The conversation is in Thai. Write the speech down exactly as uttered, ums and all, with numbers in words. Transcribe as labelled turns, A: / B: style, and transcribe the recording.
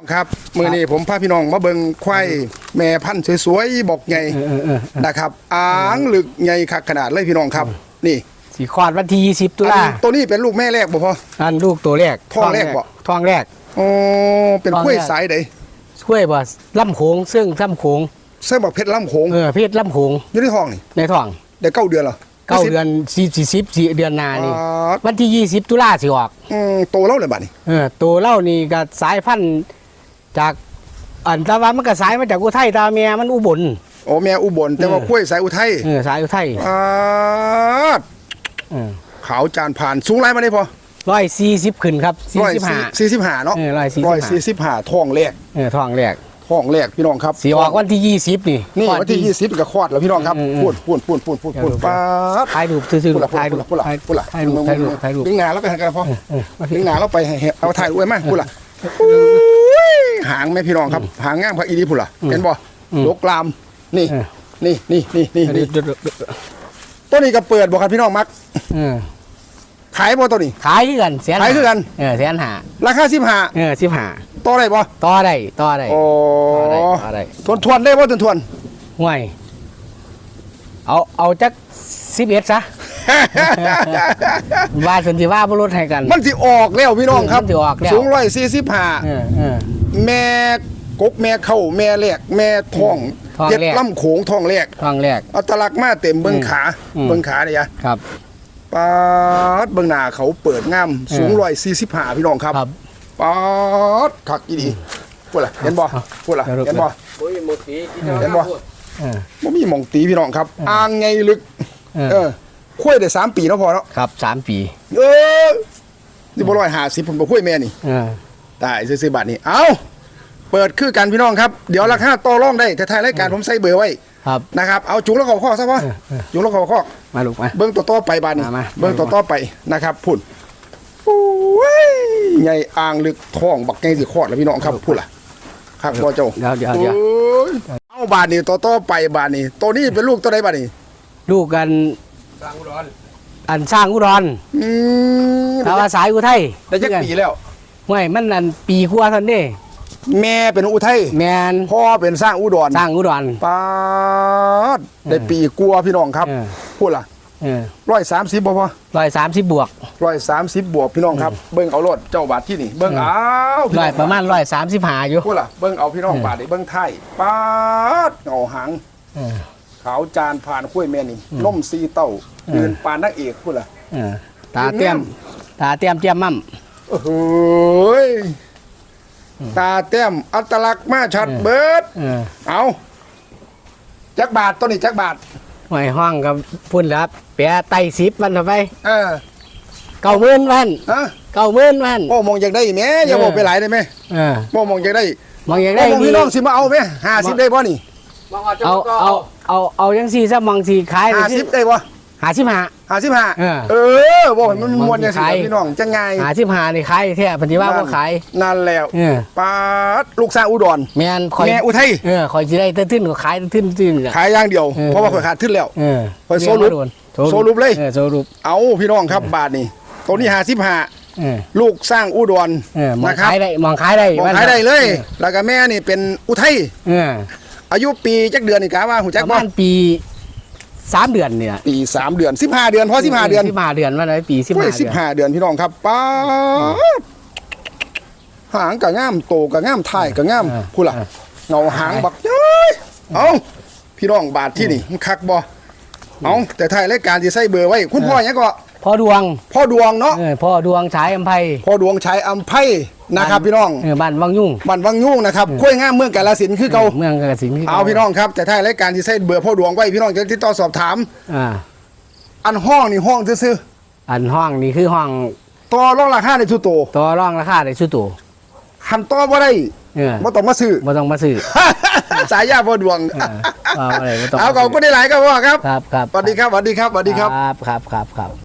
A: ครับมือนี้ผมพาพี่น้องมาเบิ่งควายแม่พันธุ์สวยๆบอกใหญ่นะครับอ่างลึกใหญ่คักขนาดเลยพี่น้องครับนี่
B: สีคลอดวันที่ยี่สิบตุลา
A: ตัวนี้เป็นลูกแม่แรกบ่พอ
B: อันลูกตัวแรก
A: ท้องแรกบ่
B: ท้องแรก
A: อ๋อเป็นกล้วยสายใด
B: กล้วยบ่ลำโขงซึ่งลำโขง
A: ใช่บอกเพชรลำโขง
B: เออเพชรลำโขง
A: อยู่ในท้องนี่
B: ในท้อง
A: ได้เก้าเดือนเหรอ
B: เก้าเดือนสี่สิบสี่เดือนนานี่วันที่ยี่สิบตุลาสิออก
A: อืมโตแล้วเลยบัดนี้
B: เออโตแล้วนี่ก็สายพันธุ์จากอันตะวันมันก็สายมาจากอุทัยตาเมียมันอุบล
A: โอ้แม่อุบลแต่ว่ากล้วยสายอุทัย
B: เออสายอุทัย
A: อ่าขาวจานผ่านสูงไรมาได้พอ
B: ร้อยสี่สิบขึ้นครับ
A: สี่สิบห้าสี่สิบห้าเนาะ
B: ร้อยสี่
A: ร้อยสี่สิบห้าท้องแรก
B: เออท้องแรก
A: ท้องแรกพี่น้องครับ
B: สีออกวันที่ยี่สิบนี่
A: นี่วันที่ยี่สิบก็คลอดแล้วพี่น้องครับพูดพูดพูดพูดพูดพูดป้า
B: ถ่ายรูปซื้อๆถ่ายรูป
A: พูดละพูดละ
B: ถ่ายรูปถ่ายรูปถ่ายรูป
A: ดึงหนาแล้วไปกันพอดึงหนาแล้วไปเอาถ่ายรูปไว้มั้ยพูดละหางแม่พี่น้องครับหางง่ามพระอีดีพูดละเห็นบ่ลกลามนี่นี่นี่นี่นี่ตัวนี้ก็เปิดบ่ครับพี่น้องมักขายบ่ตัวนี้
B: ขายคือกันแสน
A: ขายคือกัน
B: เออแสนห้า
A: ราคาสิบห้า
B: เออสิบห้า
A: ต่อได้บ่
B: ต่อได้ต่อได้
A: โอ้
B: ต่อได้
A: ทวนทวนได้บ่ทวนทวน
B: ห่วยเอาเอาจักสิบเอ็ดซะว่าสันติว่าบรถให้กัน
A: มันสิออกแล้วพี่น้องครับสูงร้อยสี่สิบห้าแม่กกแม่เข้าแม่แหลกแม่ท้องเจ็ดลำโขงท้องแรก
B: ท้องแรก
A: อัตลักษณ์มาเต็มเบิ้งขาเบิ้งขาเนี่ย
B: ครับ
A: ปาดเบิ้งหน้าเขาเปิดงามสูงร้อยสี่สิบห้าพี่น้องครับปาดขักอีดีพูดละเห็นบ่พูดละเห็นบ่เห็นบ่บ่มีหม่องตีพี่น้องครับอ่างไงลึกเออคุยได้สามปีแล้วพอแล้ว
B: ครับสามปี
A: เออนี่บ่ร้อยห้าสิบผมบ่คุยแม่นี่ได้ซื้อๆบาทนี้เอาเปิดคือกันพี่น้องครับเดี๋ยวราคาต่อรองได้แต่ท้ายรายการผมใส่เบอร์ไว้นะครับเอาจุงแล้วเขาข้อซะพ่อจุงแล้วเขาข้อ
B: มาลูกมา
A: เบิ้งตัวต่อไปบาทนี้เบิ้งตัวต่อไปนะครับพุ่นโอ้ยใหญ่อ่างลึกท้องบักไงสิคลอดแล้วพี่น้องครับพุ่นล่ะครับพ่อเจ้า
B: เดี๋ยวเดี๋ยวเดี๋ยว
A: เอาบาทนี้ตัวต่อไปบาทนี้ตัวนี้เป็นลูกตัวใดบาทนี้
B: ลูกกันสร้างอุดรอันสร้างอุดรอืมถ้าว่าสายอุทัย
A: ได้จักปีแล้ว
B: ห่วยมันอันปีกว่าท่านนี่
A: แม่เป็นอุทัย
B: แม่น
A: พ่อเป็นสร้างอุดร
B: สร้างอุดร
A: ป้าได้ปีกลัวพี่น้องครับพูดล่ะร้อยสามสิบบ่พอ
B: ร้อยสามสิบบวก
A: ร้อยสามสิบบวกพี่น้องครับเบิ้งเอารถเจ้าบาทที่นี่เบิ้งเอา
B: ร้อยประมาณร้อยสามสิบห้าอยู่
A: พูดล่ะเบิ้งเอาพี่น้องบาทได้เบิ้งไทยป้าเอาหางขาวจานผ่านคุ้ยแม่นี่ล่มซีเต้าเดินปานนักเอกพูดล่ะ
B: ตาเตี้ยมตาเตี้ยมเตี้ยมมั่ม
A: โอ้โหตาเตี้ยมอัตลักษณ์มาชัดเบิดเอาจักบาทตัวนี้จักบาท
B: หอยห้องกับพุ่นแล้วเปียไตสิบวันต่อไป
A: เออ
B: เก้าหมื่นวันเก้าหมื่นวัน
A: โอ้มองอยากได้แม่อย่าบอกไปหลายได้ไหมเออโมองอยากได้
B: มองอยากได้
A: พี่น้องสิมาเอาไหมห้าสิบได้ป่ะนี่
B: เอาเอาเอาเอายังสี่ซะมองสี่ขาย
A: ห้าสิบได้ป่ะ
B: หาสิบห้า
A: หาสิบห้าเออบอกมันมวนอย่างสิพี่น้องจะไง
B: หาสิบห้านี่ขายแท้พันธิว่าก็ขาย
A: นั่นแล้วป้าลูกสาวอุดร
B: แม่นคอย
A: แม่อุทัย
B: เออคอยจะได้ตื้นๆก็ขายตื้น
A: ๆขายอย่างเดียวเพราะว่าคอยขาดทึ้นแล้วคอยโซลุปโซลุปเลย
B: โซลุป
A: เอาพี่น้องครับบาทนี่ตัวนี้หาสิบห้าลูกสร้างอุดร
B: นะครับมองขายได้มองขายได้
A: มองขายได้เลยแล้วก็แม่นี่เป็นอุทัยอายุปีจักเดือนนี่กะว่าหูจัก
B: บ้านปีสามเดือนเนี่ย
A: ปีสามเดือนสิบห้าเดือนเพราะสิบห้าเดือน
B: สิบห้าเดือนว่าไหนปีสิบห้า
A: สิบห้าเดือนพี่น้องครับป้าหางกะง่ามโตกะง่ามถ่ายกะง่ามพูดล่ะเงาหางบักเย้ยเอาพี่น้องบาทที่นี่มันคักบ่เอาแต่ถ่ายรายการที่ใส่เบอร์ไว้คุณพ่อยังก็
B: พ่อดวง
A: พ่อดวงเนาะ
B: พ่อดวงฉายอัมไพ
A: พ่อดวงฉายอัมไพนะครับพี่น้อง
B: บ้านวังยุ่ง
A: บ้านวังยุ่งนะครับกล้วยง่ามเมืองกาฬสินธุ์คือเก่า
B: เมืองกาฬสินธุ์
A: เอาพี่น้องครับแต่ท้ายรายการที่ใส่เบอร์พ่อดวงไว้พี่น้องจะติดต่อสอบถามอ่าอันห้องนี่ห้องซื่อ
B: อันห้องนี่คือห้อง
A: ต่อรองราคาในชุดโต
B: ต่อรองราคาในชุดโต
A: คันต่อบ่ได้บ่ต้องมาซื้อ
B: บ่ต้องมาซื้อ
A: สายยาพ่อดวงเอาขอบคุณได้หลายครับพ่อครับ
B: ครับครับ
A: สวัสดีครับสวัสดีครับสวัสดีครับ
B: ครับครับครับ